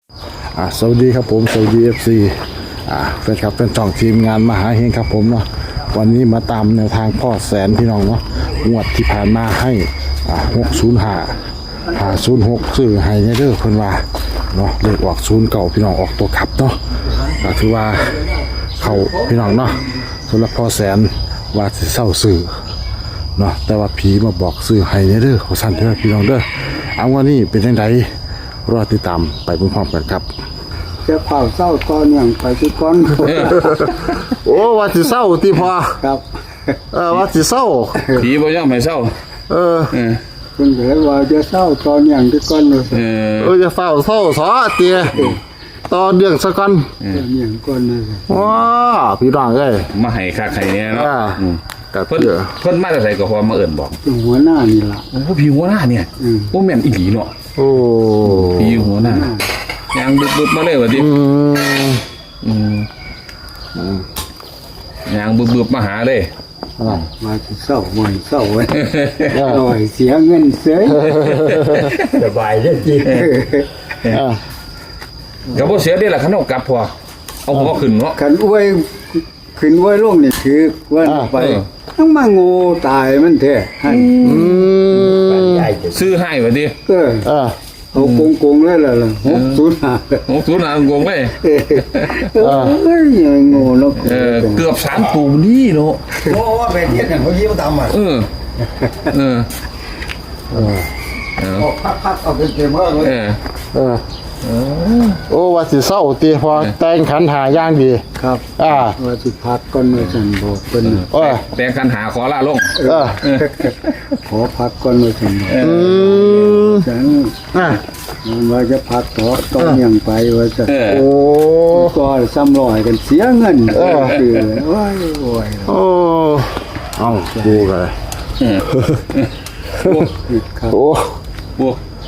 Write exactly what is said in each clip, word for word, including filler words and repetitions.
อ่าสวัสดีครับผมสวัสดี เอฟ ซี อ่าแฟนครับเป็นช่องทีมงานมหาเฮงครับผมเนาะวันนี้มาตามแนวทางพ่อแสนพี่น้องเนาะงวดที่ผ่านมาให้อ่าหกศูนย์ห้าหาศูนย์หกซื้อให้เด้อเพิ่นว่าเนาะเลขออกศูนย์เก่าพี่น้องออกตัวขับเนาะก็ถือว่าเขาพี่น้องเนาะสำหรับพ่อแสนว่าสิเศร้าซื้อเนาะแต่ว่าผีมาบอกซื้อให้เด้อเขาสั่นเด้อพี่น้องเด้อเอาวันนี้เป็นจังไดรอติดตามไปพร้อมๆกันครับจะเผาเศร้าตอนอย่างไปที่ก้อนโอ้ว่าสิเศร้าติพอครับเออว่าสิเศร้าผีบ่ยอมให้เศร้าเออเออคุณเหลือว่าจะเศร้าตอนอย่างที่ก้อนเลยเออเออจะเฝ้าเศร้าสอเตียตอนเดืองสักก่อนตอนอย่างก้อนเลยว้าพี่น้องเอ้ยมาให้คักให้เนี่ยเนาะอ่าอืมก็เพิ่นเถื่อเพิ่นมาแต่ไสก็พอมาเอิ้นบอกเป็นหัวหน้านี่ล่ะโอ้ผีหัวหน้าเนี่ยอืมโอ้แม่นอีหลีเนาะโอ้ผีหัวหน้ายังบึบๆมาเลยว่าติอืมอืมยังบึบๆมาหาเลยอ่ามาที่เศร้าหม่อยเศร้าไว้หน่อยเสียเงินเสียสบายได้จริงอ่าก็บ่เสียเด้ล่ะคันเอากลับพอเอาหัวขึ้นเนาะขันอวยขึ้นอวยลงนี่คือว่าไปต้องมาโง่ตายมันแท้ให้อืมซื้อให้ว่าติเอออ่าเอาโกงโกงเลยล่ะล่ะหกศูนย์ห้าโอ้ศูนย์หางงไปเออเอ้ยโง่เนาะเออเกือบสามตูนี่เนาะเพราะว่าเป็นเทียนอย่างเขายิ้มตามอ่ะเออเออเออออกพักๆเอาเป็นเกมว่าเลยเออเออโอ้ว่าสิเศร้าตีพอแต่งขันหาอย่างดีครับอ่าว่าสิพักก่อนว่าฉันบอกเป็นโอ้ยแต่งกันหาขอลาลงเออขอพักก่อนว่าฉันบอกอืมฉันอ่าว่าจะพักต่อต้องยังไปว่าจะเออโอ้ก็ซ้ำรอยกันเสียเงินเออโอ้ยโอ้ยโอ้เอ้าดูกันเออโอ้ครับโอ้โอ้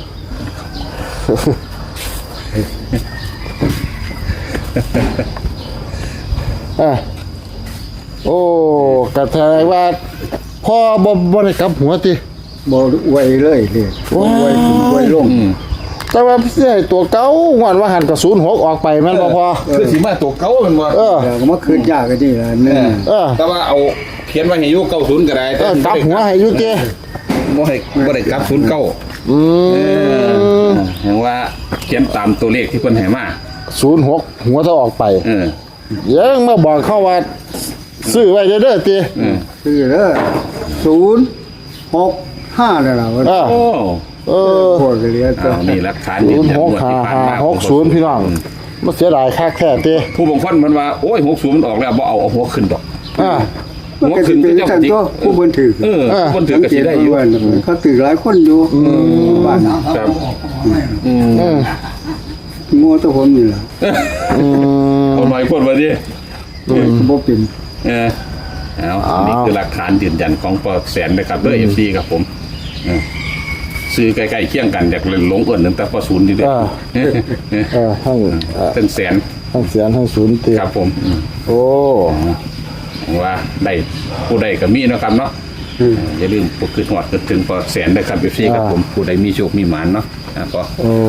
อ่ะโอ้กระแทกว่าพ่อบ่บ่ได้กลับหัวติบ่อวยเลยเลยอวยขึ้นอวยลงอืมแต่ว่าเสียตัวเก่างอนว่าหันกับศูนย์หกออกไปแม่นบ่พอคือสิมาตัวเก่าแมันบ่เออเดี๋ยวก็มาคืนยากกันนี่ล่ะเนี่ยเออแต่ว่าเอาเขียนไว้ให้อยู่เก้าศูนย์ก็ได้เออกลับหัวให้อยู่ติบ่ให้บ่ได้กลับศูนย์เก้าอืเอมอเห็นว่าเขียนตามตัวเลขที่เพิ่นให้มาศูนย์หกหัวถ้าออกไปเออยังมาบอกเขาว่าซื้อไว้เด้อๆติเออคือเด้อศูนย์หกห้าแล้วล่ะว่าเออโอ้เออโคตรเหลือตัวอ้าวนี่หลักฐานศูยืนนย์ยันหกงวดห้าที่ผ่านห้ามาหกศูนย์พี่น้องมันเสียดายค่าแค่ติผู้บางคนเพิ่นว่าโอ้ยหกศูนย์มันออกแล้วบ่เอาเอาหัวขึ้นดอกอ่ามันหัวก็ขึ้สินเป็ก็นเจ้ากันจิกตัวผู้บันทึกเออเพิ่นถือก็สิได้อยู่เขาถือหลายคนอยู่บ้านครับอืมอืมโง่ตัวผมนี่ล่ะอืมเอาหน่อยพูดมาดิบ่เป็นเออเอานี่คือหลักฐานยืนยันของปอแสนนะครับเบอร์เอฟซีครับผมเออซื้อใกล้ๆเคียงกันอยากเล่นหลงเอิญตั้งแต่ปอศูนย์ดีเด้อเออทั้งเอ่อเป็นแสนทั้งเสียนทั้งศูนย์ติครับผมอืมโอ้ว่าได้ผู้ใดก็มีเนาะครับเนาะเอออย่าลืมปกติหอดนึกถึงปอแสนนะครับเอฟซีครับผมผู้ใดมีโชคมีหมานเนาะนะปอโอ้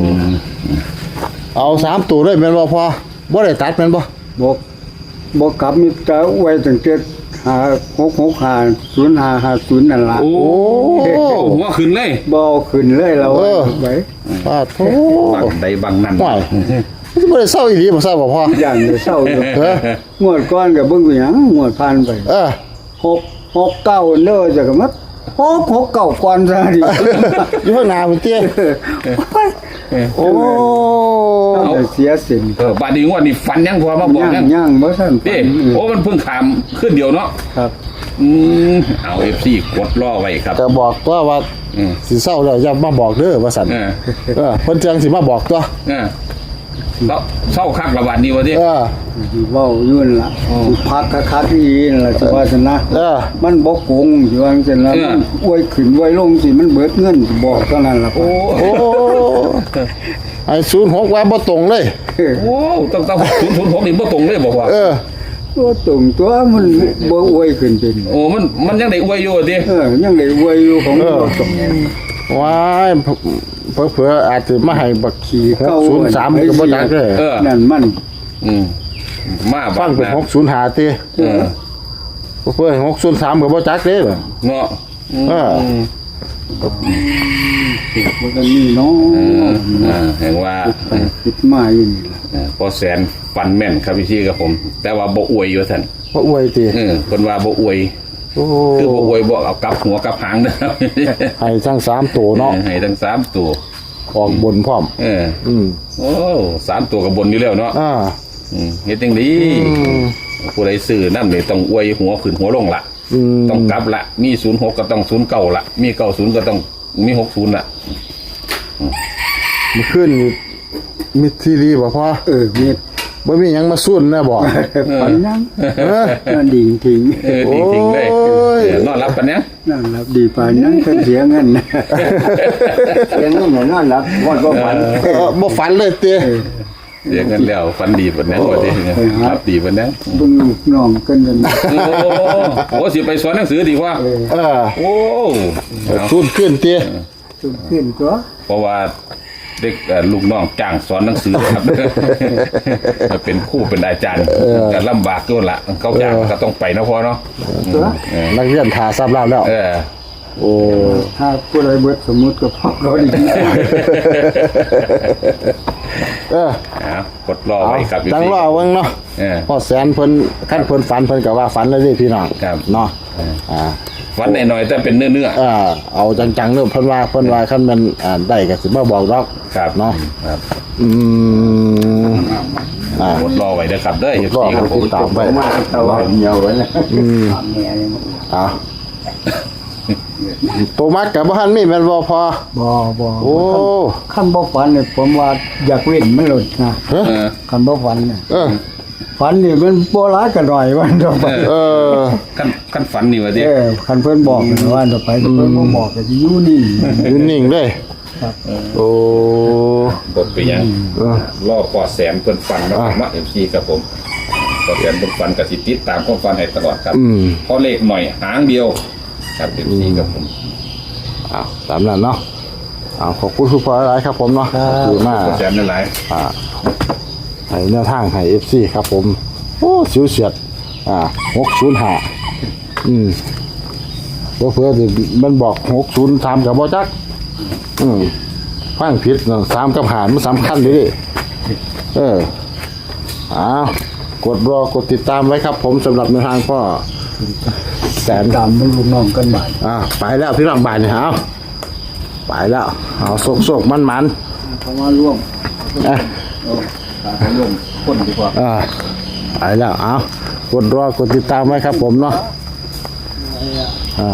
เอาสามตัวด้วยแม่นบ่พอบ่ได้ตัดแม่นบ่บ่บ่กลับมีแต่ไว้ตั้งแต่หาหกหกห้าศูนย์ห้าห้าศูนย์นั่นล่ะโอ้หัวขึ้นเลยบ่เอาขึ้นเลยเราไว้ปาดโธ่บังใดบังนั่นห่วยมันบ่ได้เศร้าอีหลีบ่ทราบบ่พอย่างจะเศร้าอยู่เอองวดก่อนก็เบิ่งไปหยังงวดผ่านไปเออหกหกเก้าเด้อจะก็มาหกหกเก้าก่อนซะดิอยู่ข้างหน้าพุ่นติโอ้ต้องได้เสียสินเออบาดนี้งวดนี้ฟันยังพอมาบอกย่างยังย่างบ่ทันเด้โอ้มันเพิ่งขามขึ้นเดียวเนาะครับอืมเอาเอฟซีกดล่อไว้ครับก็บอกตัวว่าอืมสิเศร้าแล้วอย่ามาบอกเด้อว่าซั่นเออเออเพิ่นจังสิมาบอกตัวเออแล้วเศร้าคักระบาดนี้วะดิเออสิเว้าอยู่นั่นล่ะสิพักคักๆอีนั่นล่ะสิว่าซั่นนะเออมันบ่โกงสิว่าซั่นล่ะมันอวยขึ้นอวยลงสิมันเบิดเงินสิบอกเท่านั้นล่ะโอ้โอ้ไอ้ศูนย์หกว่าบ่ตรงเลยโอ้ต้องต้องศูนย์ศูนย์หกนี่บ่ตรงเลยบอกว่าเออตัวตรงตัวมันบ่อวยขึ้นเป็นโอ้มันมันยังได้อวยอยู่วะดิเออยังได้อวยอยู่ของบ่ตรงว้ายเผื่อๆอาจจะมาให้บักขี่หกเก้าศูนย์สามก็บ่จักเด้อเออนั่นมันอืมมาฟับ้างเป็นนะหกศูนย์ห้าติเออเพื่อหกศูนย์สามก็บ่จักเด้อเนาะอืมเออมันก็นี่เนาะเออเออเห็นว่าไปคิดมาอยู่นี่ล่ะเออพอแสนฟันแม่นครับพี่ชี่กับผม แต่ว่าบ่อวยอยู่ท่านบ่อวยติเออคนว่าบ่อวยโอ้คือบ่อวยบ่เอากลับหัวกลับหางนะครับให้ทั้งสามตัวเนาะให้ทั้งสามตัวออกบนพร้อมเอออืมโอ้สามตัวกับบนอยู่แล้วเนาะอ่าอืมเฮ็ดจังดีอืมผู้ใดซื้อน้ำนี่ต้องอวยหัวขึ้นหัวลงละอืมต้องกลับละมีศูนย์หกก็ต้องศูนย์เก้าละมีเก้าศูนย์ก็ต้องมีหกศูนย์ละมันขึ้นนี่มีทีรีบ่พอเออมีบ่มีหยังมาสุ่นนะบ่ปันยังเออนั่นดีจริงเออดีจริงเลยโอ้ยเออนอนรับกันเนี้ยนั่นรับดีปานยังก็เสียเงินเลี้ยงเงินเหมือนนั่นแหละวันก็ฝันเออบ่ฝันเลยติเสียเงินแล้วฟันดีปานนั้นว่าที่รับดีปานนั้นเบิ่งลูกน้องกันนั่นโอ้โหสิไปสอนหนังสือดีว่าเออโอ้เอาสุ่นขึ้นติสุดขึ้นตัวเพราะว่าเด็กเอ่อลูกน้องจ้างสอนหนังสือครับ จะเป็นครู่เป็นอาจารย์ก็ลำบากด้วยละเขาจ้างก็ต้องไปนะพ่อเนาะตัวเออนักเรียนทาทราบแล้วแล้วเออโอ้ถ้าผู้ใดเบิดสมมุติก็พอเขาดีเออเอากดรอเอาไว้ครับจังรอเบิ่งเนาะเออพอแสนเพิ่นคันเพิ่นฝันเพิ่นก็ว่าฝันเลยเด้พี่น้องครับเนาะอ่าวันหน่อยๆแต่เป็นเนื้อเนื้อเออเอาจังๆเด้อเพิ่นว่าเพิ่นว่าคันแม่นอ่าได้ก็สิมาบอกดอกครับเนาะครับอืมอ่ากดรอไว้นะครับเด้อรอสี่ครับผมติดตามไว้มาตะวันเหนียวไว้นะแม่นี่อ่าตัวมักกับบ่ทันมีแม่นบ่พอบ่บ่โอ้ขั้นบ่ฝันเนี่ยผมว่าอยากเว้นมันหลุดนะเฮ้ยเออขั้นบ่ฝันเนี่ยเออฝันนี่มันบ่ร้ายกันหน่อยวันต่อไปเออขั้นขั้นฝันนี่วะดิเออคันเพิ่นบอกว่าต่อไปแต่เพิ่นบ่บอกก็สิอยู่นิ่งยืนนิ่งเลยครับโอ้กดไปยังเออรอปอแสนเพิ่นฟันแล้วมาเอฟซีครับผมปอแสนเพิ่นฟันกับสิติดตามความฟันให้ตลอดครับอืมเพราะเลขหน่อยหางเดียวครับเอฟซีครับผมอ้าวตามนั้นเนาะอ้าวขอบคุณทุกคนหลายครับผมเนาะขอบคุณมากปอแสนนั่นหลายอ่าให้แนวทางให้ เอฟ ซี ครับผม โอ้สิวเฉียด อ่าหกศูนย์ห้าอืมเพื่อเพื่อที่มันบอกหกศูนย์สามกับบ่จัก อืมฟังผิดเนาะสามกับหารมันสำคัญเลยดิเอออ้าวกดรอกดติดตามไว้ครับผมสำหรับแนวทางพ่อแสนตามมันลูกน้องกันบ่ายอ่าไปแล้วพี่น้องบ่ายนี่เอาไปแล้ว เอาโศกโศกมันมันเพราะว่าร่วมๆอ่ะตามร่วมคนดีกว่าอ่าไปแล้วเอากดรอกดติดตามไว้ครับผมเนาะอ่า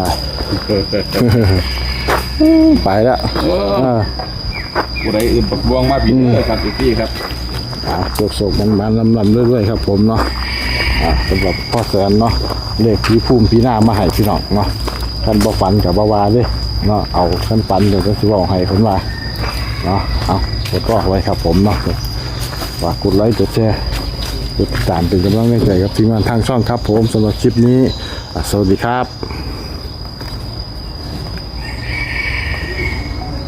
ไปแล้วอ่าผู้ใดอื่นปักบวงมาผิดเลยครับเอฟซีครับอ่าโศกโศกมันมันลำลำเรื่อยๆครับผมเนาะอ่าสำหรับพ่อแสนเนาะเลขผีภูมิผีหน้ามาให้พี่น้องเนาะท่านบ่ฝันกับบ่าวาเด้เนาะเอาท่านฝันเดี๋ยวจะสิบอกให้เพิ่นว่าเนาะเอากดรอไว้ครับผมเนาะฝากกดไลค์กดแชร์กดติดตามเป็นกำลังใจกับทีมงานทางช่องครับผมสำหรับคลิปนี้อ่ะสวัสดีครับ